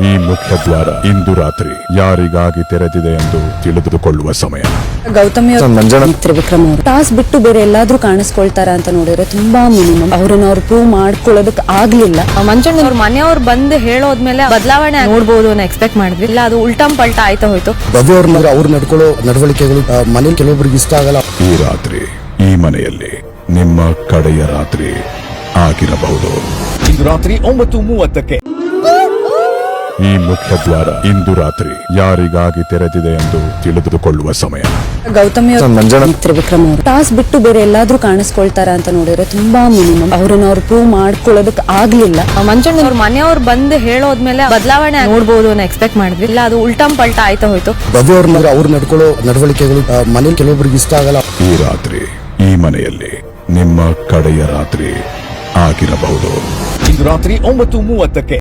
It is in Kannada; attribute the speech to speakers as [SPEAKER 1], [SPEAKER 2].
[SPEAKER 1] ಈ ಮುಖ್ಯ ದ್ವಾರ ಇಂದು ರಾತ್ರಿ ಯಾರಿಗಾಗಿ ತೆರೆದಿದೆ ಎಂದು ತಿಳಿದುಕೊಳ್ಳುವ ಸಮಯ.
[SPEAKER 2] ಗೌತಮಿ ತ್ರಿವಿಕ್ರಮ್ ಅವರು ಟಾಸ್ ಬಿಟ್ಟು ಬೇರೆ ಎಲ್ಲಾದ್ರೂ ಕಾಣಿಸ್ಕೊಳ್ತಾರ ಅಂತ ನೋಡಿದ್ರೆ ತುಂಬಾ ಮಿನಿಮಮ್ ಅವ್ರನ್ನ ಅವ್ರು ಪ್ರೂವ್ ಮಾಡ್ಕೊಳ್ಳೋದಕ್ಕೆ ಆಗ್ಲಿಲ್ಲ.
[SPEAKER 3] ಮಂಜಣ್ಣ ಅವ್ರ ಮನೆಯವ್ರು ಬಂದು ಹೇಳೋದ್ಮೇಲೆ ಬದಲಾವಣೆ ನೋಡ್ಬೋದು ಅನ್ನೋ ಎಕ್ಸ್ಪೆಕ್ಟ್ ಮಾಡಿದ್ವಿ. ಇಲ್ಲ, ಅದು ಉಲ್ಟಂ ಪಲ್ಟಾ ಆಯ್ತಾ ಹೋಯ್ತು.
[SPEAKER 4] ಭವ್ಯ ಅವ್ರು ನಡ್ಕೊಳ್ಳೋ ನಡವಳಿಕೆಗಳು ಮನೇಲಿ ಕೆಲವೊಬ್ಬರಿಗೆ ಇಷ್ಟ ಆಗಲ್ಲ.
[SPEAKER 1] ಈ ರಾತ್ರಿ ಈ ಮನೆಯಲ್ಲಿ ನಿಮ್ಮ ಕಡೆಯ ರಾತ್ರಿ ಆಗಿರಬಹುದು.
[SPEAKER 5] ಇಂದು ರಾತ್ರಿ 9:30ಕ್ಕೆ
[SPEAKER 1] ಈ ಮುಖ್ಯ ದ್ವಾರ ಇಂದು ರಾತ್ರಿ ಯಾರಿಗಾಗಿ ತೆರೆದಿದೆ ಎಂದು ತಿಳಿದುಕೊಳ್ಳುವ ಸಮಯ.
[SPEAKER 2] ಗೌತಮಿ ತ್ರಿವಿಕ್ರಮ್ ಅವರು ಟಾಸ್ ಬಿಟ್ಟು ಬೇರೆ ಎಲ್ಲಾದ್ರೂ ಕಾಣಿಸ್ಕೊಳ್ತಾರ ಅಂತ ನೋಡಿದ್ರೆ ತುಂಬಾ ಮಿನಿಮಮ್ ಅವ್ರನ್ನ ಅವ್ರು ಪ್ರೂವ್ ಮಾಡ್ಕೊಳ್ಳೋದಕ್ಕೆ ಆಗ್ಲಿಲ್ಲ.
[SPEAKER 3] ಮಂಜಣ್ಣ ಅವ್ರ ಮನೆಯವ್ರು ಬಂದು ಹೇಳೋದ್ಮೇಲೆ ಬದಲಾವಣೆ ನೋಡ್ಬೋದು ಅನ್ನೋ ಎಕ್ಸ್ಪೆಕ್ಟ್ ಮಾಡಿದ್ವಿ. ಇಲ್ಲ, ಅದು ಉಲ್ಟಂ ಪಲ್ಟಾ ಆಯ್ತಾ ಹೋಯ್ತು.
[SPEAKER 4] ಭವ್ಯ ಅವ್ರು ನಡ್ಕೊಳ್ಳೋ ನಡವಳಿಕೆಗಳು ಮನೇಲಿ ಕೆಲವೊಬ್ಬರಿಗೆ ಇಷ್ಟ ಆಗಲ್ಲ.
[SPEAKER 1] ಈ ರಾತ್ರಿ ಈ ಮನೆಯಲ್ಲಿ ನಿಮ್ಮ ಕಡೆಯ ರಾತ್ರಿ ಆಗಿರಬಹುದು.
[SPEAKER 5] ಇಂದು ರಾತ್ರಿ 9:30ಕ್ಕೆ